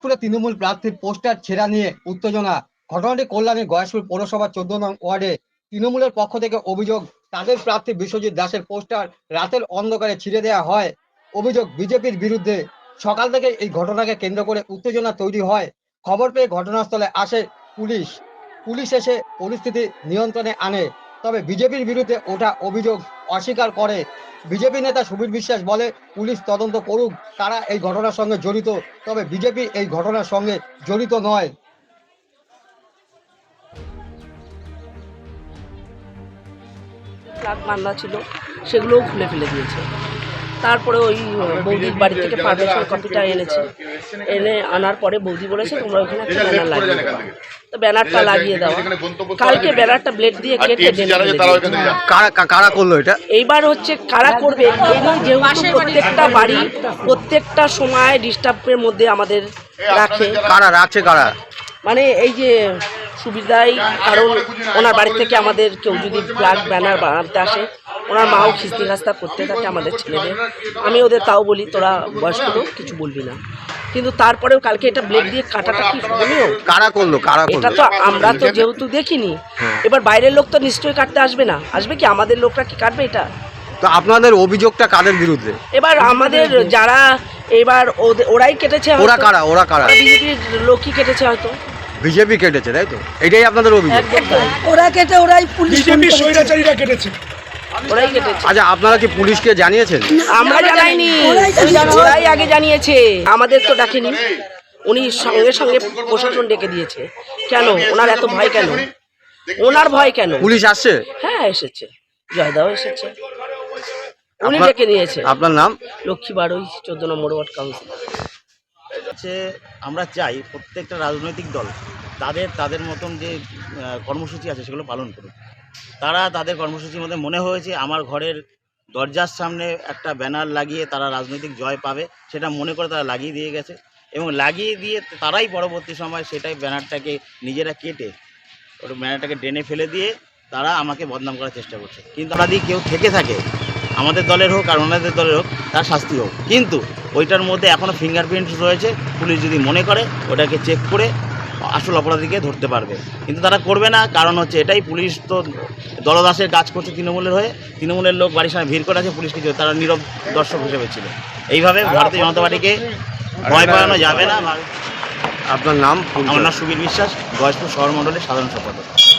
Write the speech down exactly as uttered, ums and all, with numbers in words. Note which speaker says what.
Speaker 1: পুরো তৃণমূল প্রার্থীর পোস্টার ছেঁড়া নিয়ে উত্তেজনা। ঘটনাটি কল্যাণী গয়েশপুর পৌরসভার চোদ্দ নং ওয়ার্ডে তৃণমূলের পক্ষ থেকে অভিযোগ, তাদের প্রার্থী বিশ্বজিৎ দাসের পোস্টার রাতের অন্ধকারে ছিঁড়ে দেওয়া হয়। অভিযোগ বিজেপির বিরুদ্ধে। সকাল থেকে এই ঘটনাকে কেন্দ্র করে উত্তেজনা তৈরি হয়। খবর পেয়ে ঘটনাস্থলে আসে পুলিশ। পুলিশ এসে পরিস্থিতি নিয়ন্ত্রণে আনে, তবে বিজেপির বিরুদ্ধে ওঠা অভিযোগ অস্বীকার করে। বিজেপি নেতা সুবীর বিশ্বাস বলে, পুলিশ তদন্ত করুক কারা এই ঘটনার সঙ্গে জড়িত, তবে বিজেপি এই ঘটনার সঙ্গে জড়িত নয়।
Speaker 2: ফ্ল্যাগ বান্ধা ছিল, সেগুলোও খুলে ফেলে দিয়েছে। তারপরে ওই বৌদির বাড়ি থেকে পারমিশন কপিটা এনেছে, এনে আনার পরে বৌদি বলেছে তোমরা ওখানে একটা ব্যানার লাগিয়ে দাও। তো ব্যানারটা লাগিয়ে দেওয়া, কালকে ব্যানারটা ব্লেড দিয়ে কেটে
Speaker 3: কারা করলো এটা?
Speaker 2: এইবার হচ্ছে কারা করবে, যেহেতু প্রত্যেকটা বাড়ি প্রত্যেকটা সময় ডিস্টার্বের মধ্যে আমাদের রাখে।
Speaker 3: কারা রাখছে কারা?
Speaker 2: মানে এই যে সুবিধাই, কারণ ওনার বাড়ি থেকে আমাদের কেউ যদি ফ্ল্যাগ ব্যানার বানাতে আসে, ওনার মাও খিস্তি খাস্তা করতে থাকে আমাদের ছেলেদের। আমি ওদের তাও বলি তোরা বয়স্ক লোক কিছু বলবি না, কিন্তু তারপরেও কালকে এটা ব্লেড দিয়ে কাটাটা কি শুনিও
Speaker 3: কারা করলো? কারা
Speaker 2: এটা তো আমরা তো যেহেতু দেখিনি, এবার বাইরের লোক তো নিশ্চয়ই কাটতে আসবে না, আসবে কি আমাদের লোকরা কি কাটবে এটা?
Speaker 3: তো আপনাদের অভিযোগটা কাদের বিরুদ্ধে?
Speaker 2: এবার আমাদের যারা এবার ওরাই কেটেছে।
Speaker 3: ওরা কারা? ওরা কারা?
Speaker 2: বিজেপির লোকই কেটেছে হয়তো।
Speaker 3: বিজেপি কেটেছে তাই তো? এটাই আপনাদের অভিযোগ?
Speaker 2: ওরা কেটে ওরাই পুলিশ স্বৈরাচারীরা কেটেছে, ওরাই কেটেছে।
Speaker 3: আচ্ছা, আপনারা কি পুলিশকে জানিয়েছেন?
Speaker 2: আমরা জানাইনি, ওরাই আগে জানিয়েছে, আমাদের তো ডাকেনি। উনি সঙ্গে সঙ্গে প্রশাসন ডেকে দিয়েছে। কেন ওনার এত ভয় কেন? ওনার ভয় কেন?
Speaker 3: পুলিশ আসছে?
Speaker 2: হ্যাঁ এসেছে, জয়দাও এসেছে, উনি ডেকে নিয়েছে।
Speaker 3: আপনার নাম?
Speaker 2: লক্ষ্মী বাড়ই, চোদ্দ নম্বর ওয়ার্ড কাউন্সিল।
Speaker 4: হচ্ছে আমরা চাই প্রত্যেকটা রাজনৈতিক দল তাদের তাদের মতন যে কর্মসূচি আছে সেগুলো পালন করুক। তারা তাদের কর্মসূচির মধ্যে মনে হয়েছে আমার ঘরের দরজার সামনে একটা ব্যানার লাগিয়ে তারা রাজনৈতিক জয় পাবে, সেটা মনে করে তারা লাগিয়ে দিয়ে গেছে, এবং লাগিয়ে দিয়ে তারাই পরবর্তী সময় সেটাই ব্যানারটাকে নিজেরা কেটে ওটা ব্যানারটাকে ড্রেনে ফেলে দিয়ে তারা আমাকে বদনাম করার চেষ্টা করছে। কিন্তু আমরা যদি কেউ থেকে থাকে, আমাদের দলের হোক আর ওনাদের দলের হোক, তার শাস্তি হোক, কিন্তু ওইটার মধ্যে এখনও ফিঙ্গারপ্রিন্টস রয়েছে। পুলিশ যদি মনে করে ওটাকে চেক করে আসল অপরাধীকে ধরতে পারবে, কিন্তু তারা করবে না। কারণ হচ্ছে এটাই, পুলিশ তো দলদাসের কাজ করছে তৃণমূলের হয়ে। তৃণমূলের লোক বাড়ির সামনে ভিড় করে আছে, পুলিশ কিছু, তারা নীরব দর্শক হিসেবে ছিল। এইভাবে ভারতীয় জনতা পার্টিকে ভয় পাওয়ানো যাবে না।
Speaker 3: আপনার নাম?
Speaker 4: আমার নাম সুবীর বিশ্বাস, গয়েশপুর শহর মণ্ডলের সাধারণ সম্পাদক।